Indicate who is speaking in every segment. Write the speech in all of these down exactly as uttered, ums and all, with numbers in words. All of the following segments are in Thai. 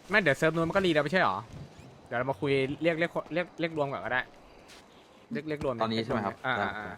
Speaker 1: ไม่เดี๋ยวเซิร์ฟนู้นมันก็รีแล้วไม่ใช่หรอเดี๋ยวเรามาคุยเรียกเรียกเรียกเรียกรวมก่อนก็ได้เรียกเรียกรวม
Speaker 2: ตอนนี้ใช่ไหมครับ
Speaker 1: อ่าอ่าอ่า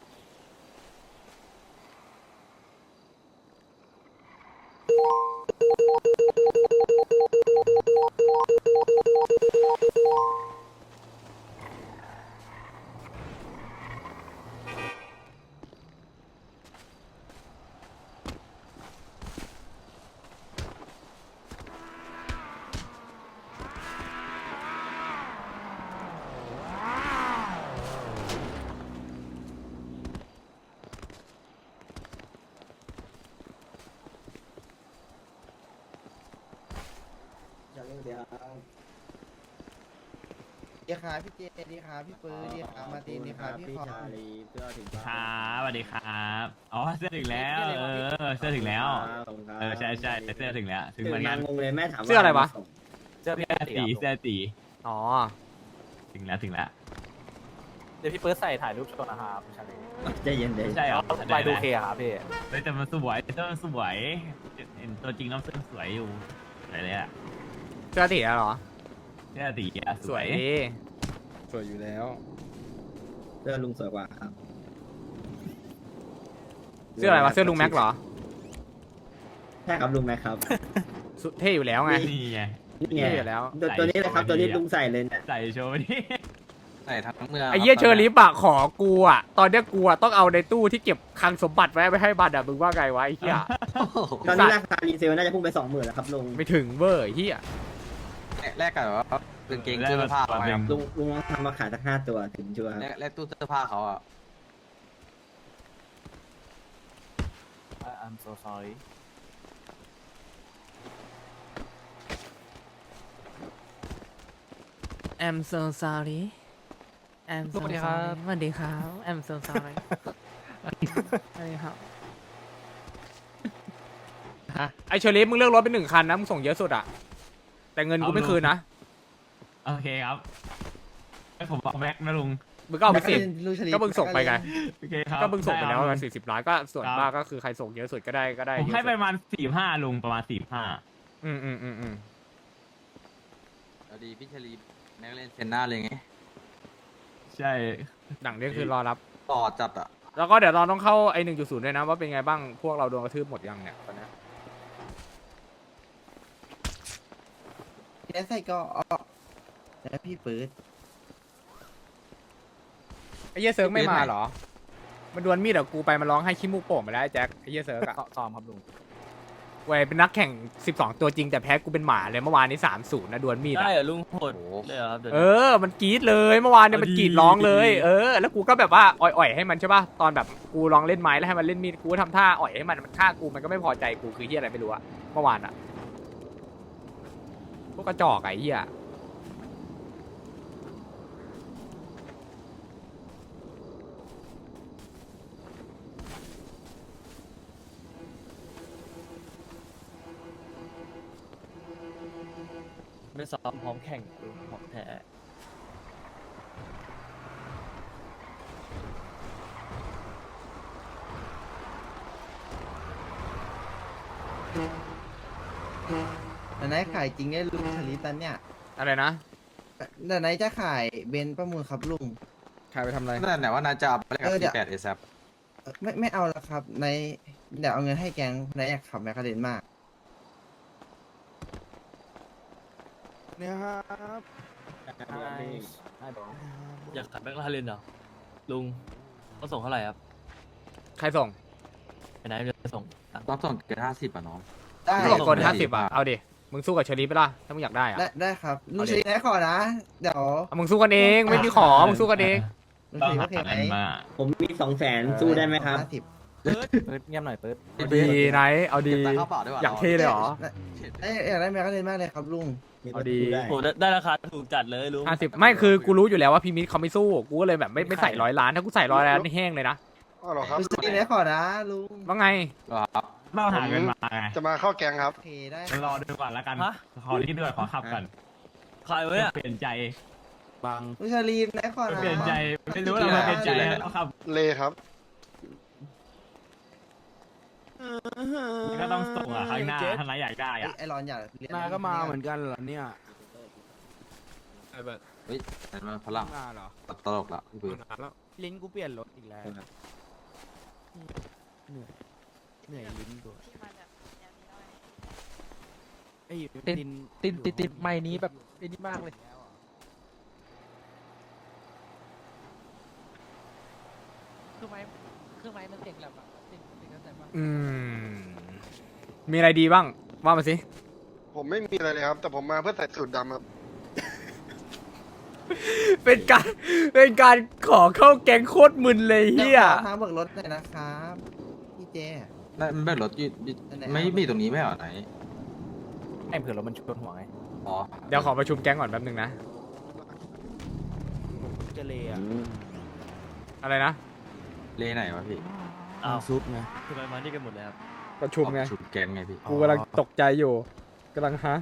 Speaker 3: ดีครับพี่เจดีครับพี่ปื้อดีครับมาตีนดีครับพี่คอม
Speaker 4: ครับสวัสดีครับอ๋อเสื้อถึงแล้วเออเสื้อถึงแล้วเออใช่ใช่เสื้อถึงแล้วถึงเหมือนกัน
Speaker 5: งงเลยแม่ถามว่า
Speaker 1: เสื้ออะไรวะ
Speaker 4: เสื้อสีเสื้อสี
Speaker 1: อ๋อ
Speaker 4: ถึงแล้วถึงแล้ว
Speaker 6: เดี๋ยวพี่เปิร์ดใส่ถ่ายรูปโชว์นะครับชาลี
Speaker 5: ใจเย็นเดี๋ยว
Speaker 4: ใช่เหรอ
Speaker 6: ไปดูเคครับพี่
Speaker 4: เฮ้ยแต่มันสวยเสื้อมันสวยเห็นตัวจริงน้ำเสื้อสวยอยู่สวยเลยอะ
Speaker 1: เสื้อตีแล้วเหรอ
Speaker 4: เสื้อสีอะ
Speaker 1: สวยดี
Speaker 2: สวยอยู่แล้ว
Speaker 5: เสื้อลุงสวยกว่าครับ
Speaker 1: เสื้ออะไรวะเสื้อลุงแม็กเหรอ
Speaker 5: ใช่ครับลุงแม็กครับ
Speaker 1: สุดเท่อยู่แล้วไง
Speaker 4: นี่ไง
Speaker 5: นี่ไง
Speaker 1: เท่อยู่แล้ว
Speaker 5: ตัวตัวนี้เลยครับตัวนี้ลุงใส่เลยเนี่ย
Speaker 4: ใส่โชว์นี่
Speaker 2: ใส่ทั้งเมือง
Speaker 1: ไอ้เหี้ยเชอริฟอะขอกูอะตอนเนี้ยกูอะต้องเอาในตู้ที่เก็บคลังสมบัติไว้ไปให้บัตรอะมึงว่าไงวะไอ้เหี้ย
Speaker 2: โอ้โห
Speaker 5: ตอนนี้ราคารีเซลน่าจะพุ่งไปสองหมื่นแล้วครับลุง
Speaker 1: ไม่ถึงเวอร์ไอ้เหี้ย
Speaker 2: แลกกันแบบว่ากางเกงเสื้อผ้าเขาไงครับ
Speaker 5: ลุงลุงลองทำมาขายสักห้าตัวถึงชัวร์ครับ
Speaker 2: แลกแลกตู้เสื้อผ้าเขาอ่ะ
Speaker 6: I'm so sorry
Speaker 1: I'm so sorry I'm so
Speaker 6: สวัสดีครับ
Speaker 1: sorry สวัสดีครับ I'm so sorry สวัสดีครับไอเชอริฟมึงเลือกรถเป็นหนึ่งคันนะมึงส่งเยอะสุดอะแต่เงินกูไม่คืนนะ
Speaker 4: โอเคครับให้ผมเอาแม็กนะลุง
Speaker 1: มึงก็เอาไปสิบ
Speaker 3: ลุงชลี
Speaker 1: ก็มึงส่งไปไง
Speaker 4: โอเคครับ
Speaker 1: ก็มึงส่งไปแล้ว
Speaker 4: ด้
Speaker 1: ประ
Speaker 4: ค
Speaker 1: มา
Speaker 4: รั
Speaker 1: ณ
Speaker 4: บ
Speaker 1: สี่สิบล้านก็ส่วน
Speaker 4: ครับ
Speaker 1: มากก็คือใครส่งเยอะสุดก็ได้ก็ได้
Speaker 4: ผม
Speaker 1: เยอะ
Speaker 4: ให้
Speaker 1: สุด
Speaker 4: ประมาณสี่ห้าลุงประมาณสี่ห้า
Speaker 1: อืมอืมอืมอืม
Speaker 2: เอาดีพี่ชลีแม็กเล่นเซนหน้าเลยไง
Speaker 4: ใช่
Speaker 1: หนังนี้คือรอรับ
Speaker 2: ต่อจัดอ่ะ
Speaker 1: แล้วก็เดี๋ยวเราต้องเข้าไอหนึ่งจุดศูนย์ด้วยนะว่าเป็นไงบ้างพวกเราโดนกระทืบหมดยังเนี่ยตอนเนี้ย
Speaker 3: แล้วใส่ก็ออกแล้วพี่ปื้ด
Speaker 1: ไอเหี้ยเซิร์ฟไม่มาเหรอมันดวลมีดกับกูไปมันร้องให้ขี้มูกโป่งไปแล้วไอ้แจ็คไอเหี้ยเซิร์ฟอะ
Speaker 6: ซ้อมครับลุง
Speaker 1: เว้ยเป็นนักแข่งสิบสองตัวจริงแต่แพ้กูเป็นหมาเลยเมื่อวานนี้สามศูนย์นะดวลมีดอะ
Speaker 6: ได้เหรอลุงโหด
Speaker 2: โอ้โห
Speaker 6: เลยเหรอครับเดี๋ยว
Speaker 1: เออ มันกรี๊ดเลยเมื่อวานเนี่ยมันกรี๊ดร้องเลย เออ แล้วกูก็แบบว่าอ่อยๆให้มันใช่ป่ะ ตอนแบบกูลองเล่นไม้แล้วให้มันเล่นมีด กูก็ทำท่าอ่อยให้มัน มันฆ่ากูมันก็ไม่พอใจกูคือเฮียอะไรไม่รู้อะเมื่อวานอะพวกกระจอกไอ้เฮีย
Speaker 6: ไม่ซ้อมพร้อมแข่งลุงของแท้
Speaker 3: แต่ไหนขายจริงได้ลุงชลีตันเนี่ย
Speaker 1: อะไรนะ
Speaker 3: แต่ไหนจะขายเบนซ์ประมูลครับลุง
Speaker 1: ใครไปทำอะไร
Speaker 2: นั่นไหนว่านายจะเอาไปเล่น
Speaker 3: เอ
Speaker 2: กับ
Speaker 3: อเดี๋ยว
Speaker 2: สี่แปดเอซับ
Speaker 3: เอ่อไม่ไม่เอาแล้วครับในเดี๋ยวเอาเงินให้แกงในอยากขับแมคคาเรนมาก
Speaker 6: เนี่ยครับอยากขับแบ็คลาเรนเหรอลุงเขาส่งเท่าไหร่ครับ
Speaker 1: ใครส่ง
Speaker 6: ไปไหนจะส่งตังค์
Speaker 2: ต้องส่งเกินห้าสิบอ่ะน้อง
Speaker 3: ได้
Speaker 1: มึงส่งคนห้าสิบอะเอาดิ มึงสู้กับเชอรี่ไปล่ะถ้ามึงอยากได้อะ
Speaker 3: ได้ได้ครับลุง
Speaker 1: เอาดิ
Speaker 3: ชลีไหนขอนะ เดี๋ยว
Speaker 1: เอามึงสู้กันเอง ไม่มีขอ มึงสู้กันเอง
Speaker 3: ลุง
Speaker 4: ต้อ
Speaker 3: ช
Speaker 4: ง
Speaker 3: ลี
Speaker 4: หา
Speaker 3: โอเคไหม
Speaker 4: เงินมา
Speaker 5: ผมมีสองแสนสู้ได้ไหมครับ
Speaker 3: ห้าสิบ
Speaker 6: เปิดเงียบหน่อยเปิด
Speaker 1: เอาดีไหน เอาดี
Speaker 2: เก็บตังค์เข้าเปล่าด้วยวะ
Speaker 1: อยากเท่เลยเหรอ
Speaker 3: ได้อยากได้แมคคาเรนมากเลยครับลุง
Speaker 1: เอาดี
Speaker 6: โหได้ได้ราคาถูกจัดเลยลุง
Speaker 1: ห้าสิบไม่คือกูรู้อยู่แล้วว่าพี่มิตรเขาไม่สู้ กูก็เลยแบบไม่ไม่ใส่ร้อยล้าน ถ้ากูใส่ร้อยล้านนี่แห้งเลยนะ
Speaker 7: อ๋อเหรอครับ
Speaker 3: ลุงชลีไหนขอนะลุง
Speaker 1: ว่าไง
Speaker 2: ครับ
Speaker 4: ต้องหาเงินมาไง
Speaker 7: จะมาเข้าแกงครับ
Speaker 3: โอเคได้
Speaker 4: รอดูก่อนแล้วกันขอที่ด้วยขอขับก่อน
Speaker 6: ขายไว้อะ
Speaker 4: เปลี่ยนใจ
Speaker 6: บาง
Speaker 3: ลุงชลีไหนขอนะ
Speaker 4: เปลี่ยนใจไม่รู้เราเปลี่ยนใจแล้วครับ
Speaker 7: เลครับ
Speaker 4: ก็ต้องส่งอ่ะข้างหน้าถ้านายอยากได้
Speaker 3: เอ้
Speaker 4: อ่ะ
Speaker 3: ยไอรอนอยากเรียน
Speaker 7: นายก็มาเหมือนกันเหรอเนี่ย
Speaker 6: ไอ้แบบ
Speaker 2: เฮ้ยแต่มันพลัง
Speaker 7: มาเหรอ
Speaker 2: ตลกละพี่ปืน
Speaker 6: แล้ว
Speaker 7: ลิ้นกูเปลี่ยนรถอีกแล้วเหนื่อยเหนื่อยลิ้นกูไอ้
Speaker 8: ติด
Speaker 7: ลิ้น
Speaker 8: ติดติดติดไม้นี้แบบไอ้นี่มากเลย คือไม้คือไม้มันเสียงแหลมอะเสียงเสียงกระแสปะ
Speaker 1: อืมมีอะไรดีบ้างว่ามาสิ
Speaker 9: ผมไม่มีอะไรเลยครับ แต่ผมมาเพื่อใส่สูตรดำครับ
Speaker 1: เป็นการเป็นการขอเข้าแก๊งโคตรมึนเลยเฮีย
Speaker 3: ดี๋วขอทางเบิกรถหน่อยนะครับพี่เจ
Speaker 2: ได้มันไม่รถยืดยืด
Speaker 3: อันไหน
Speaker 2: ไม่มีตรงนี้ไม่เหรอไหน
Speaker 8: ไอ้เผื่อรถมันชนหัวไง
Speaker 2: อ๋อ
Speaker 1: เดี๋ยวขอประชุมแก๊งก่อนแป๊บนึงนะ
Speaker 7: จะเลยอ่ะ
Speaker 1: อะไรนะ
Speaker 2: เลไหนวะพี่
Speaker 6: อ้าว
Speaker 7: ซุปไง
Speaker 6: ทำไมมานี่กันหมดเลยครับ
Speaker 1: ประชุมไง
Speaker 2: ชุดแกงไงพี่
Speaker 1: กูกำลังตกใจอยู่กำลังฮะ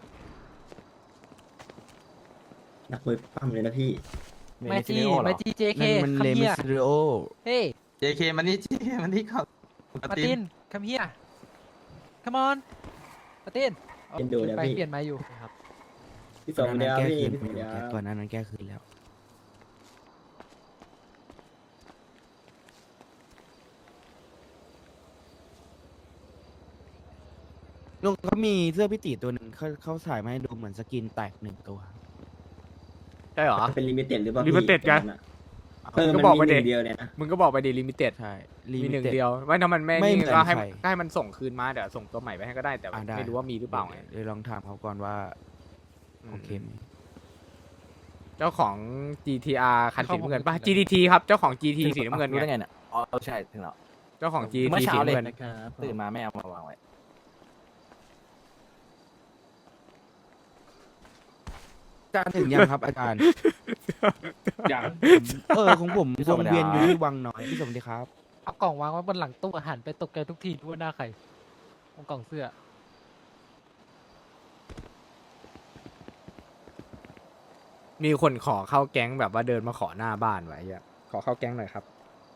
Speaker 5: นักมวยปั้มเลยนะพี่
Speaker 8: ไม่จีไม่จีเจเค
Speaker 7: นั่นมัน
Speaker 8: คัม
Speaker 7: เล
Speaker 8: เฮี
Speaker 7: มิ
Speaker 8: ย
Speaker 7: สริโอ
Speaker 8: เฮ้ย
Speaker 2: เจเคมันนี่ เจเคมันนี่ครับ
Speaker 8: มาตินคัมเฮียคัมออนมาติน
Speaker 5: เอ็นดูนะ
Speaker 8: ไป
Speaker 5: พี่
Speaker 8: เปลี่ยนไม้อยู่ครับ
Speaker 5: พี่สองเดียว
Speaker 7: แก้
Speaker 5: พี่
Speaker 7: คืน
Speaker 5: พี่สองเดียว
Speaker 7: ก่อนหน้านั้นแก้คืนแล้ว ลุงเขามีเสื้อพิติตัวหนึ่งเขาเขาถ่ายมาให้ดูเหมือนสกินแตกหนึ่งตัว
Speaker 1: ใช่เหรอ
Speaker 5: เป็นลิมิเต็ดหรือเปล่า
Speaker 1: Limited ไง
Speaker 5: เออ
Speaker 1: ก็
Speaker 5: มัน
Speaker 1: บอก
Speaker 5: มี
Speaker 1: ไป
Speaker 5: ห
Speaker 1: ดิ
Speaker 5: นึ่งเดียวเนี่ยนะ
Speaker 1: มึงก็บอกไปดีลิมิเต็ด
Speaker 7: ใช่
Speaker 1: มีหนึ่ง
Speaker 7: limited
Speaker 1: เดียวว่าถ้ามันไม่
Speaker 7: ไม่
Speaker 1: นี่
Speaker 7: เหมือน
Speaker 1: ก็ให้
Speaker 7: ใคร
Speaker 1: ก็ให้มันส่งคืนมาเดี๋ยวส่งตัวใหม่ไปให้ก็ได้แต่
Speaker 7: อ่ะได้
Speaker 1: ไม่รู้ว่ามีหรือเปล่าไง
Speaker 7: เดี๋ยวลองถามเขาก่อนว่า โอเคไหม
Speaker 1: เจ้าของ จี ที อาร์ คันสีน้ำเงินป่ะ จี ที ที ครับเจ้าของ จี ที สีน้ำเงิน
Speaker 8: รู้ได้
Speaker 1: ไง
Speaker 8: ไงเนี่ยอ๋อใช่ถึงแล้ว
Speaker 1: เจ้าของ จี
Speaker 8: เมื่
Speaker 1: ที
Speaker 8: อ
Speaker 1: สี
Speaker 8: เช้าเลย
Speaker 1: น้ำเงิน
Speaker 6: นะครับ
Speaker 8: ตื่นมาไม่เอามาวางไว้
Speaker 7: อาจารย์ถึงยังครับอาจารย์
Speaker 6: อย่าง
Speaker 7: เออของผมวงเวียนอยู่ที่วังน้อยพี่สมดีครับ
Speaker 8: เอากล่องวางไว้บนหลังตู้อาหารไปตกใจทุกทีดูว่าหน้าใครเอากล่องเสื้อ
Speaker 1: มีคนขอเข้าแก๊งแบบว่าเดินมาขอหน้าบ้านไว้อะขอเข้าแก๊งหน่อยครับ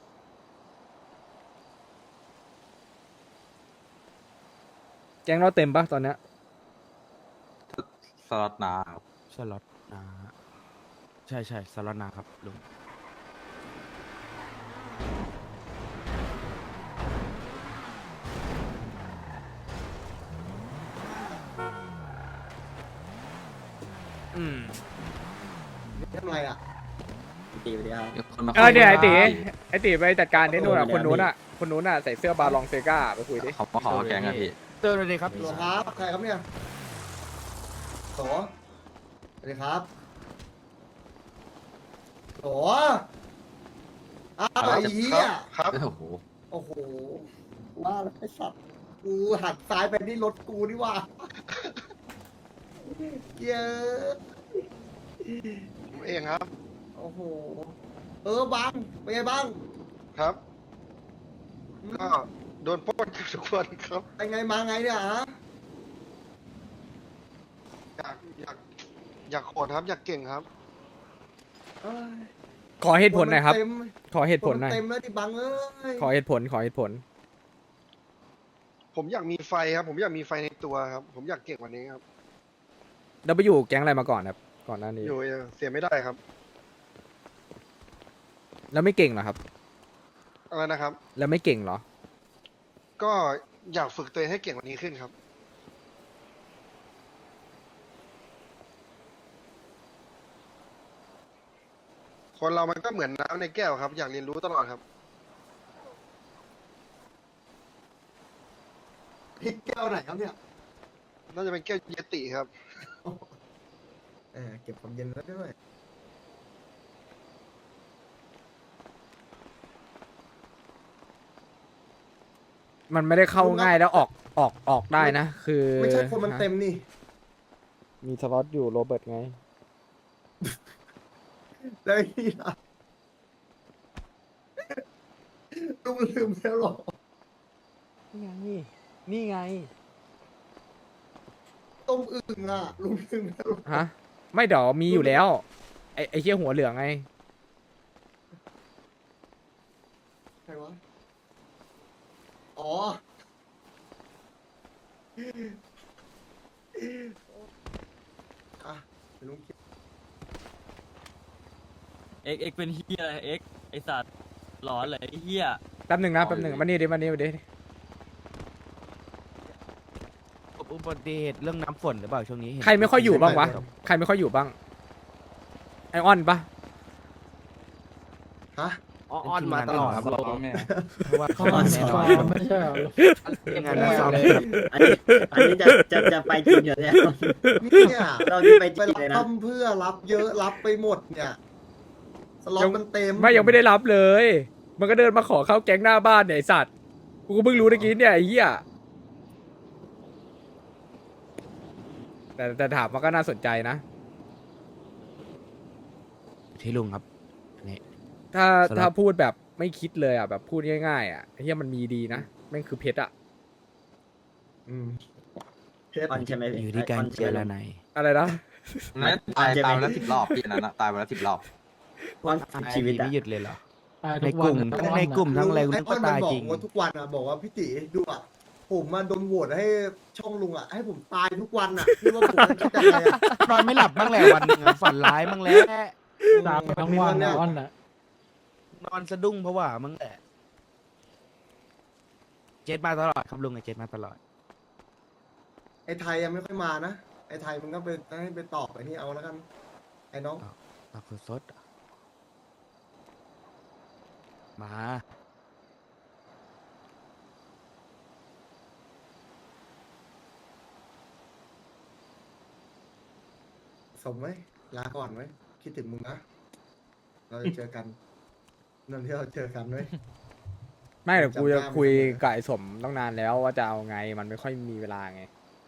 Speaker 1: แก๊งเราเต็มปะตอนเนี้ย
Speaker 2: สล็อตนาครับ
Speaker 7: สล็อตนาใช่ใช่สล็อตนาครับลุง
Speaker 1: อืม
Speaker 5: ทำไรอ่ะตีไปเดียว
Speaker 2: เดี๋ยวคนมา
Speaker 1: เออเดี๋ยวไอ
Speaker 2: คุ
Speaker 1: ตี
Speaker 2: ย
Speaker 1: ไอตีไปจัดการที่นู่นอ่ะ
Speaker 5: โอ้
Speaker 1: คน
Speaker 5: โห
Speaker 1: นู้นอ่ะคนนู้นอ่ะใส่เสื้อบาลองเซกาไปคุยดิ
Speaker 2: เขามาขอแกงอะพี่
Speaker 7: เตือนเลยครับ
Speaker 3: หลวงครับใครครับเนี่ยโถสวัสดีครับโถอ้าวไอ้เหี้ย
Speaker 9: ครับ
Speaker 2: โอ้โห
Speaker 3: โอ้โหว่าแล้วไอ้สัตว์กูหักซ้ายไปนี่รถกูนี่ว่าเยอะ
Speaker 9: ผมเองครับ
Speaker 3: โอ้โหเออบังเป็นไงบ้าง
Speaker 9: ครับ ก็โดนปล้นกันทุกวันครับ
Speaker 3: ไปไงมาไงเนี่ยฮะ
Speaker 9: อยากอยากอยากโหดครับ อยากเก่งครับ
Speaker 3: เอ้ย
Speaker 1: ขอเหตุผลหน่อยครับ
Speaker 3: เต็ม
Speaker 1: ขอเหตุผลหน่อย
Speaker 3: เต็มแล้วดิบังเอ้ย
Speaker 1: ขอเหตุผลขอเหตุผล
Speaker 9: ผมอยากมีไฟครับ ผมอยากมีไฟในตัวครับ ผมอยากเก่งกว่านี้ครับ
Speaker 1: แล้วไปอยู่แก๊งอะไรมาก่อนครับ ก่อนหน้านี้
Speaker 9: อยู่เออเสียไม่ได้ครับ
Speaker 1: แล้วไม่เก่งเหรอครับ
Speaker 9: อะไรนะครับ
Speaker 1: แล้วไม่เก่งเหรอ
Speaker 9: ก็อยากฝึกตัวเองให้เก่งกว่านี้ขึ้นครับ คนเรามันก็เหมือนน้ำในแก้วครับ อยากเรียนรู้ตลอดครับ
Speaker 3: พริกแก้วไหนครับเนี่ย
Speaker 9: น่าจะเป็นแก้วเยติครับ
Speaker 3: เออเก็บความเย็นไว้ด้วย
Speaker 1: มันไม่ได้เข้าง่ายแล้วออกออกออกได้นะ คือ
Speaker 3: ไม่ใช่คนมันเต็มนี่
Speaker 1: มีสล็อตอยู่โรเบิร์ตไง
Speaker 3: แล้วไอ้นี่ล่ะลุงลืมแล้วเหรอ
Speaker 1: นี่ไง นี่ไง
Speaker 3: ต้มอึ่งอ่ะลุงลืมแล้วเหรอ
Speaker 1: ฮะ ไม่เดี๋ยวมีอยู่แล้ว ไอไอเชี่ยหัวเหลืองไง
Speaker 3: ใครวะ อ๋ออ่ะเดี๋ยวลุงคิด
Speaker 6: เอ็กเอ็กเป็นเฮียอะไรเอ็กไอสัตว์หลอนเลยไอ้เฮีย
Speaker 1: แป๊บหนึ่งนะแป๊บหนึ่งมานี่ดิมานี่มาดิ
Speaker 7: อุบัติเหตุเรื่องน้ำฝนหรือเปล่าช่วงนี้เห็น
Speaker 1: ใครไม่ค่อยอยู่บ้างวะใครไม่ค่อยอยู่บ้างไอออนปะ
Speaker 3: ฮะ
Speaker 7: อ้อนมาตลอดครับ
Speaker 4: ซ้อมเนี่ย
Speaker 7: เพราะว่าเขามาแน่นอน
Speaker 8: ไม่ใช่เหรอ
Speaker 7: งานซ้อม
Speaker 5: อันนี้อันนี้จะจะจะไปจริงเหรอเนี่ย
Speaker 3: เนี่ย
Speaker 5: เราจะไปจ
Speaker 3: ไป
Speaker 5: ริง
Speaker 3: รับ
Speaker 5: เลยนะ
Speaker 3: ทำเพื่อรับเยอะรับไปหมดเนี่ยสล็อตมันเต็ม
Speaker 1: ไม่ยังไม่ได้รับเลย มันก็เดินมาขอเข้าแก๊งหน้าบ้านเนี่ยไอสัตว์กูก็เพิ่งรู้ตะกี้เนี่ยไอ้เหี้ยแต่แต่ถามมันก็น่าสนใจนะ
Speaker 7: ที่ลุงครับอันนี้
Speaker 1: ถ้า
Speaker 7: สำหรับ
Speaker 1: ถ้าพูดแบบไม่คิดเลยอ่ะแบบพูดง่ายๆอ่ะไอ้เหี้ยมันมีดีนะแม่งคือเพชรอ่ะ
Speaker 3: อืม
Speaker 5: ออนใช่ไหมพี่
Speaker 7: อยู่ที่การเจรนาย
Speaker 1: อะไรนะ
Speaker 2: นั่นตายตายไปแล้วสิบรอบพี่อันนั้นอะตายไปแล้วสิบรอบ
Speaker 5: วันชีวิตอะ
Speaker 7: ไม่หยุดเลยเหรอ
Speaker 8: ตาย
Speaker 7: ใน
Speaker 8: ทุ
Speaker 7: กลุ่ม
Speaker 8: วั
Speaker 7: ทั้งในกลุ่มทั้งอะไร
Speaker 3: ไอ้
Speaker 7: ลุง
Speaker 3: อ้
Speaker 7: ก็
Speaker 3: อนมัน
Speaker 7: ตาย
Speaker 3: บอ
Speaker 7: จริ
Speaker 3: ก
Speaker 7: ง
Speaker 3: ว่าทุกวันอ่ะบอกว่าพี่ติดูอ่ะผมมาโดนโหวตให้ช่องลุงอ่ะให้ผมตายทุกวันอ่ะพี่ว่าผมจะคิดยังไงอ่ะ
Speaker 7: นอนไม่หลับบ้างแหละวันหนึงอะฝันร้ายบ้างแหละ
Speaker 8: ตายไปทั้งวันนะอ้อนน่ะ
Speaker 7: นอนสะดุ้งเพราะว่ามั้งแหละเจ็ดมาตลอดครับลุงไอเจ็ดมาตลอด
Speaker 3: ไอ้ไทยยังไม่ค่อยมานะไอ้ไทยมันก็ไปให้ไปตอบไอ้นี่เอาแล้วกันไอ้น้อง
Speaker 7: ตักสดๆอะมา
Speaker 3: สมไหมลาก่อนไหมคิดถึงมึงนะเราจะเจอกันนั่นที่เราเจอกันไว้ย
Speaker 1: ไม่แต่กูจะ
Speaker 3: จำได้
Speaker 1: คุย
Speaker 3: ไม่ได้
Speaker 1: กับไอ้สมตั้งนานแล้วว่าจะเอาไงมันไม่ค่อยมีเวลาไง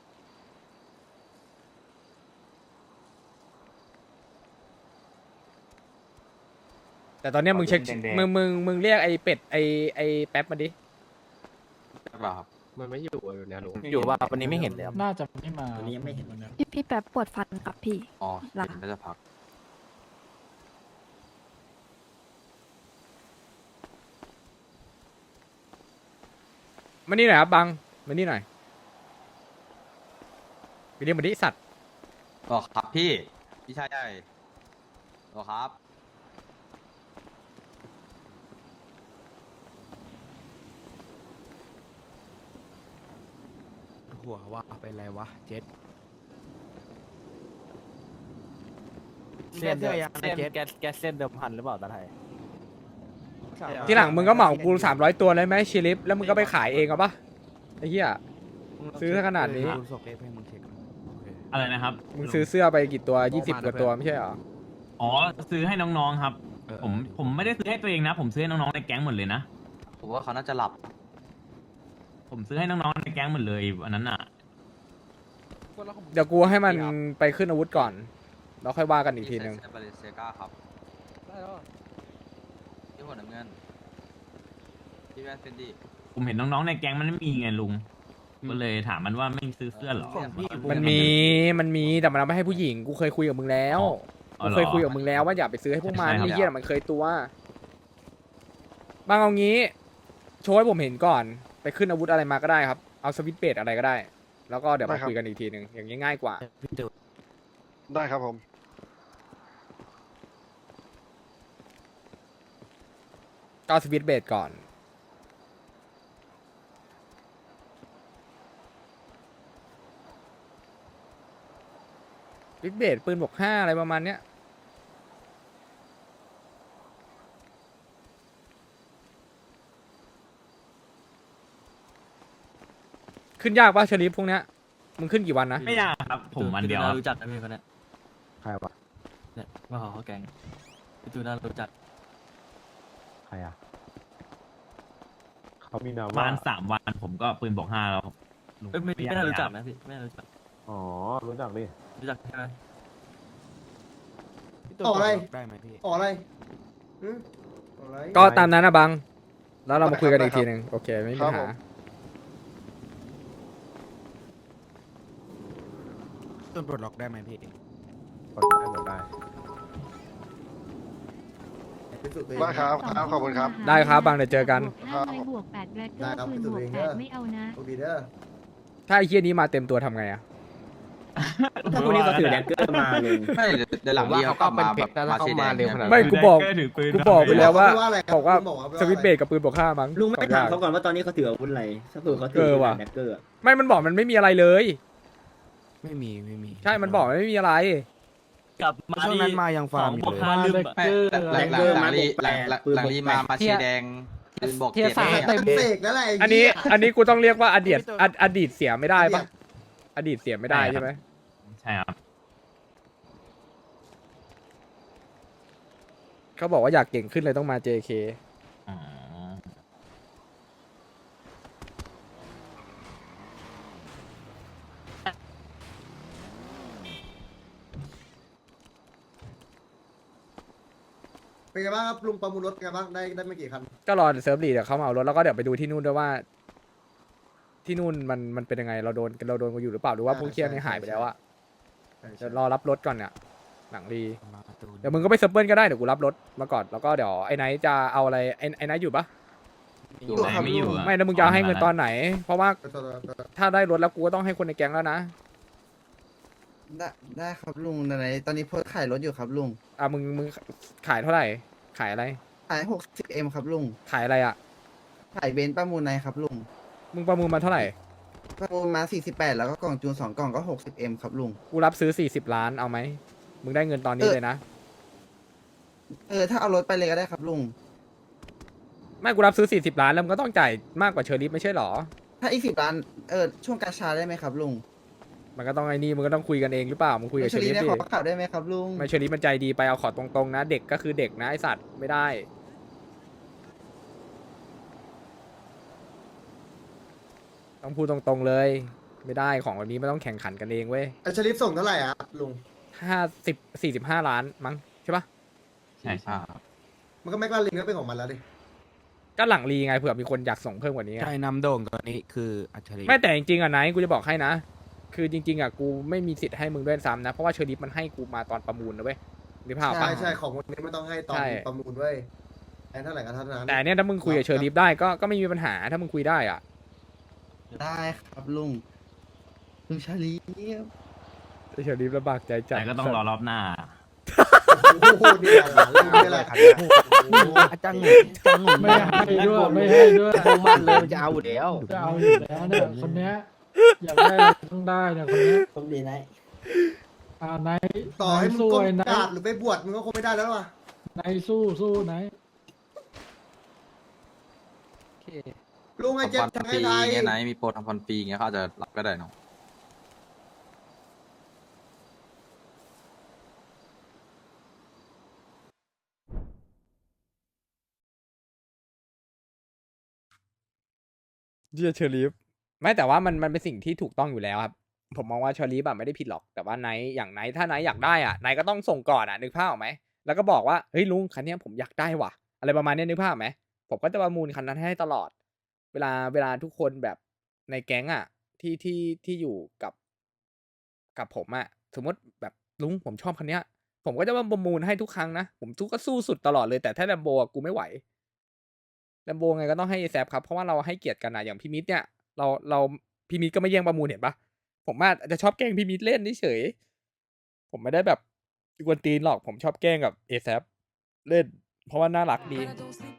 Speaker 1: แต่ตอนเนี้ยมึงเช็คมึงมึงมึงเรียกไอ้เป็ดไอ้ไอ้แป๊บมาดิ
Speaker 2: ใช่เปล่าครับ
Speaker 6: มันไม่อยู่อยู่เนี่ยลุง
Speaker 7: อยู่ว่าวันนี้ไม่เห็นเลย
Speaker 8: น่าจะไม่มา
Speaker 5: วันนี้ยังไม่เห็น
Speaker 10: พี่พี่แป๊บปวดฟันครับพี่
Speaker 2: อ๋อ
Speaker 10: หลัง
Speaker 2: เห็นน่าจะพัก
Speaker 1: มานี่หน่อยครับบังมานี่หน่อยไปเรียกมาดิสัตว์
Speaker 2: อ๋อครับพี่พี่ชายใหญ่อ๋อครับ
Speaker 7: หัวว่าเป็นไรวะเจ็ดเส้นเสื้อยังไงเจ็ด
Speaker 6: แกแกเส้นเดิมพันหรือเปล่าตาไทย
Speaker 1: ทีหลังมึงก็เหมากูสามร้อยตัวเลยไหมชิลิฟแล้วมึงก็ไปขายเองเอาปะไอ้เหี้ย ซื้อขนาดนี้
Speaker 7: คุณส่งเอฟให้มึงเช็คโอเค
Speaker 4: อะไรนะครับ
Speaker 1: มึงซื้อเสื้อไปกี่ตัวยี่สิบกว่าตัวไม่ใช่เหรอ
Speaker 4: อ๋อซื้อให้น้องๆครับ
Speaker 7: เออ
Speaker 4: ผมผมไม่ได้ซื้อให้ตัวเองนะ ผมซื้อให้น้องๆในแก๊งหมดเลยนะ
Speaker 2: ผมว่าเขาน่าจะหลับ
Speaker 4: ผมซื้อให้น้องๆในแก๊งหมดเลยอันนั้นอ่ะ
Speaker 1: เดี๋ยวกูให้มันไปขึ้นอาวุธก่อนแล้วค่อยว่ากันอีกทีนึง
Speaker 2: พี่ใส่เสื้อบาเลเซียก้าครับพี่หัวน้ำเงินพี่แวนเฟนดี้
Speaker 4: ผมเห็นน้องๆในแก๊งมันไม่มีไงลุง ก็เลยถามมันว่าไม่ซื้อเสื้อเหรอ
Speaker 1: มันมีมันมีแต่มันเอาไม่ให้ผู้หญิงกูเคยคุยกับมึงแล้ว
Speaker 4: อ๋อ
Speaker 1: กู
Speaker 4: เหรอ
Speaker 1: เคยคุยกับมึงแล้วว่าอย่าไปซื้อให้พวกมัน
Speaker 4: ใช่ครับ
Speaker 1: ไอ้เหี้ยมันเคยตัวบางเอางี้โชว์ให้ผมเห็นก่อนไปขึ้นอาวุธอะไรมาก็ได้ครับเอาสวิตช์เบสอะไรก็ได้ แล้วก็เดี๋ยวมาคุยกันอีกทีนึงอย่างนี้ง่ายกว่า
Speaker 7: พี่ตู่
Speaker 9: ได้ครับผม
Speaker 1: ก็เอาสวิตช์เบสก่อนสวิตช์เบสปืนบวกห้าอะไรประมาณเนี้ยขึ้นยากป่ะชลิปพวกเนี้ยมึงขึ้นกี่วันนะ
Speaker 4: ไม่ยากครับ ผมวันเดียว
Speaker 6: พี่
Speaker 4: ค
Speaker 6: ตู
Speaker 4: รับ
Speaker 6: รู้จักนะพี่คนเนี้ย
Speaker 7: ใครวะ
Speaker 6: เนี่ยมาขอเขาแกงพี่ตูน่ารู้จัก
Speaker 7: ใครอ่ะเขามีนาม
Speaker 4: ประมาณสามวันผมก็ปืนบอกห้าแล้ว
Speaker 6: เอ้ยไม่ไม่น่ารู้จักนะพี่ไม่น่ารู้จัก
Speaker 7: อ๋อรู้จักดิ
Speaker 6: รู้จักใช่ไหม
Speaker 7: พี่ตู่
Speaker 3: ต่ออะไร
Speaker 7: ได้ไหมพี่
Speaker 3: ออกอะไรหืมออกอะไร
Speaker 1: ก็ตามนั้นนะบัง แล้วเรามาคุยกันอีกทีหนึ่งโอเค ไม่มี
Speaker 9: ครั
Speaker 1: ปั
Speaker 9: บ
Speaker 1: ญ
Speaker 9: ผ
Speaker 1: หา
Speaker 9: ม
Speaker 7: ต้นปลดล็อกได้ไหมพี่
Speaker 3: พิสูจน์ตัวเอง
Speaker 9: ได้ครับครับขอบคุณครับ
Speaker 1: ได้ครับบางเดี๋ยวเจอกัน
Speaker 3: ครับ
Speaker 10: บวกแปดแบล็กเกอ
Speaker 3: ได้
Speaker 10: ร์
Speaker 3: ครับ
Speaker 10: ปืน
Speaker 3: พิสู
Speaker 10: บ
Speaker 3: จน์
Speaker 10: ว
Speaker 3: ตัว
Speaker 10: ก
Speaker 3: เอง
Speaker 10: แป
Speaker 3: เด้
Speaker 10: ด
Speaker 3: อ
Speaker 10: ไม่เอานะ
Speaker 3: โชคดีเด้อ
Speaker 1: ถ้าไอ้เฮียนี้มาเต็มตัวทำไงอะ
Speaker 5: ถ้าคนนี้เขาถือแดกเกอร์มาลุง
Speaker 2: ไม่เดี๋ยวเดี๋ยวหลังนี้เขาก็มาแบบมาชีแดงเนี่ย
Speaker 1: ไม่กูบอก
Speaker 4: ถือปืน
Speaker 1: กูบอกไปแล้วว่า
Speaker 3: ว่าอะไรครับ
Speaker 1: บอกว่า
Speaker 3: ลุงบอกว่า
Speaker 1: สวิตช์เบรกกับปืนบวกห้ามั้ง
Speaker 5: ลุงไม่
Speaker 1: สอ
Speaker 5: ถาม
Speaker 1: ย่
Speaker 5: เขาก่อนว่าตอนนี้เขาถืออาวุธอะไรถ้าเผื่อเขาถื
Speaker 1: เออว่ะ
Speaker 5: แดกเกอร์อะ
Speaker 1: ไม่มันบอกมันไม่มีอะไรเลย
Speaker 7: ไม่มีไม่มี
Speaker 1: ใช่มันบอกมันไม่มีอะไร
Speaker 6: กลับมา
Speaker 7: ช่วงนั้นมายังฟาร์มอยู่
Speaker 6: บวก
Speaker 7: เลย
Speaker 6: ห้าลืมอะ
Speaker 2: ไม่หลังหลังหลังนี้หลังหลังหลังนี้มามาชีแดงปืนบอก
Speaker 8: เทีย
Speaker 2: เจ็ด
Speaker 8: สาม
Speaker 2: เนี่ย
Speaker 8: เต็ม
Speaker 3: เสกแล้วแหละไ
Speaker 1: อันนี้
Speaker 3: เหี้ย
Speaker 1: อันนี้กูต้องเรียกว่าอดีตอดอดีตเสียไม่ได้ปะอดีตเสียไม่ได้ใช่ไหม
Speaker 4: ใช่ครับ
Speaker 1: เขาบอกว่าอยากเก่งขึ้นเลยต้องมา เจ เค
Speaker 4: อ๋อ
Speaker 3: เป็นไงบ้างครับลุงประมูลรถเป็นไงบ้างได้ได้ไม่กี่คัน
Speaker 1: ก็รอเซิร์ฟลีเดี๋ยวเขามาเอารถแล้วก็เดี๋ยวไปดูที่นู่นด้วยว่า ที่นู่นมันมันเป็นยังไงเราโดนเราโดนกันอยู่หรือเปล่าหรือว่าพวกเคียนี่หายไปแล้วอะ
Speaker 3: ใช่
Speaker 1: เดี๋
Speaker 3: ใช่
Speaker 1: ยวรอรับรถก่อนเนี่ยหลังรี
Speaker 7: มาประตู
Speaker 1: เดี๋ยวมึงก็ไปเซิร์ฟเบิลก็ได้เดี๋ยวกูรับรถมาก่อนแล้วก็เดี๋ยวไอ้ไนท์จะเอาอะไรไอ้ไอ้ไนท์อยู่ปะ
Speaker 4: อยู่ไหนไม่อยู่อะ
Speaker 1: ไม่แล้วมึงจะเอาให้เงินตอนไหน เพราะว่า
Speaker 3: ตัวตัวตัว
Speaker 1: ถ้าได้รถแล้วกูก็ต้องให้คนในแก๊งแล้วนะ
Speaker 11: ได้ได้ครับลุงไหนๆตอนนี้โพสต์ขายรถอยู่ครับลุง
Speaker 1: อ่ะมึงมึงขายเท่าไหร่ ขายอะไร
Speaker 11: ขายหกสิบเอ็มครับลุง
Speaker 1: ขายอะไรอ่ะ
Speaker 11: ขายเบนซ์ประมูลในครับลุง
Speaker 1: มึงประมูลมาเท่าไหร่
Speaker 11: ประมูลมาสี่สิบแปดแล้วก็กล่องจูนสองกล่องก็หกสิบเอ็มครับลุง
Speaker 1: กูรับซื้อสี่สิบล้านเอาไหมมึงได้เงินตอนนี้
Speaker 11: เออ
Speaker 1: เลยนะ
Speaker 11: เออถ้าเอารถไปเลยก็ได้ครับลุง
Speaker 1: ไม่กูรับซื้อสี่สิบล้านแล้วมึงก็ต้องจ่ายมากกว่าเชอริฟไม่ใช่หรอ
Speaker 11: ถ้าอีกสิบล้านเออช่วงกาชาได้ไหมครับลุง
Speaker 1: มันก็ต้องไอ้นี่มึงก็ต้องคุยกันเองหรือเปล่ามึงคุยกับ
Speaker 11: เช
Speaker 1: เช
Speaker 11: อ
Speaker 1: อ
Speaker 11: รี่
Speaker 1: ริฟ
Speaker 11: ได้
Speaker 1: ดิ
Speaker 11: ขอขับได้ไหมครับลุง
Speaker 1: ไม่เชอริฟมันใจดีไปเอาขอตรงๆนะ เด็กก็คือเด็กนะไอสัตว์ไม่ได้ ต้องพูดตรงๆเลย ไม่ได้ของแบบนี้ไม่ต้องแข่งขันกันเองเว้ย
Speaker 3: ไอชลิฟส่งเท่าไหร่อ่ะลุง
Speaker 1: ห้าสิบสี่สิบห้าล้านมั้งใช่ปะ
Speaker 4: ใช่ใช่
Speaker 3: มันก็แม็กลาลินก็เป็นของมันแล้วดิ
Speaker 1: ก็หลังรีไงเผื่อมีคนอยากส่งเพิ่มกว่านี้ไง
Speaker 7: ใช่นำโด่งตัวนี้คืออัจฉริ
Speaker 1: ไม่แต่จริงๆอ่ะไนท์กูจะบอกให้นะ คือจริงๆอ่ะกูไม่มีสิทธิ์ให้มึงด้วยซ้ำนะ เพราะว่าเชอริฟมันให้กูมาตอนประมูลนะเว้ยนึกภาพ
Speaker 3: ใช่
Speaker 1: ปะ
Speaker 3: ใช่ของคนนี้ไม่ต้องให้ตอน
Speaker 1: ใช่
Speaker 3: ประมูลเว้ยไอ้เท่าไหร่ก็เท่านั้น
Speaker 1: แต่อันเนี่ยถ้ามึงคุยกับเชอริฟได้ก็ก็ไม่มีปัญหาถ้ามึงคุยได้อ่ะ
Speaker 11: ได้ครับลุงลุงชาลี
Speaker 1: เชอริฟลำบากใจจัด
Speaker 4: แต่ก็ต้องรอรอบหน้า
Speaker 3: โอ้โหนี่แหละหลานลุงนี่แหละ
Speaker 7: อาจารย์หนุ่มอาจารย์หนุ่ม
Speaker 8: ไม่ให้ด้วยไม่ให้ด้วย
Speaker 7: มุ่งมั่นเลยมันจะเอาอยู่แล้ว
Speaker 8: จะเอาอยู่แล้วเนี่ยคนเนี้ยอยากได้ต้องได้เนี่ยคนเนี้ย
Speaker 5: ผมดีนะ
Speaker 8: อ่าไหน
Speaker 3: ต่อให้มึง
Speaker 8: สู้
Speaker 3: ก้ม
Speaker 8: ไอ้ไหน
Speaker 3: กราบหรือไปบวชมึงก็คงไม่ได้แล้วว่ะ
Speaker 8: ไหนสู้สู้ไหนโอเค
Speaker 3: ลุงไอ้
Speaker 2: ทำ
Speaker 3: เจ็บ
Speaker 2: พัน
Speaker 3: ทาง
Speaker 2: ปี
Speaker 3: ไอ้ไทย
Speaker 2: เงี้ยไหนมีโปรทำพันปีเงี้ยเขาอาจจะรับก็ได้เนาะ
Speaker 1: เชียเชอริฟไม่แต่ว่ามันมันเป็นสิ่งที่ถูกต้องอยู่แล้วครับ ผมมองว่าเชอริฟแบบไม่ได้ผิดหรอกแต่ว่าไนท์อย่างไนท์ถ้าไนท์อยากได้อ่ะไนท์ก็ต้องส่งก่อนอ่ะนึกภาพออกไหมแล้วก็บอกว่าเฮ้ยลุงคันเนี้ยผมอยากได้ว่ะ อะไรประมาณเนี้ยนึกภาพออกไหมผมก็จะประมูลคันนั้นให้ตลอด เวลาเวลาทุกคนแบบในแก๊งอ่ะ ที่ที่ที่อยู่กับ กับผมอ่ะสมมติแบบลุงผมชอบคันเนี้ย ผมก็จะมาประมูลให้ทุกครั้งนะผมทุกก็สู้สุดตลอดเลยแต่ถ้าแลมโบกูไม่ไหวแลมโบไงก็ต้องให้แซฟครับเพราะว่าเราให้เกียรติกันนะอย่างพี่มิตรเนี่ย เราเราพี่มิตรก็ไม่แย่งประมูลเห็นปะผมอาจจะชอบแกล้งพี่มิตรเล่นเฉยๆผมไม่ได้แบบกวนตีนหรอกผมชอบแกล้งกับเอแซฟเล่น เพราะว่าน่ารักดี
Speaker 10: Para don't sleep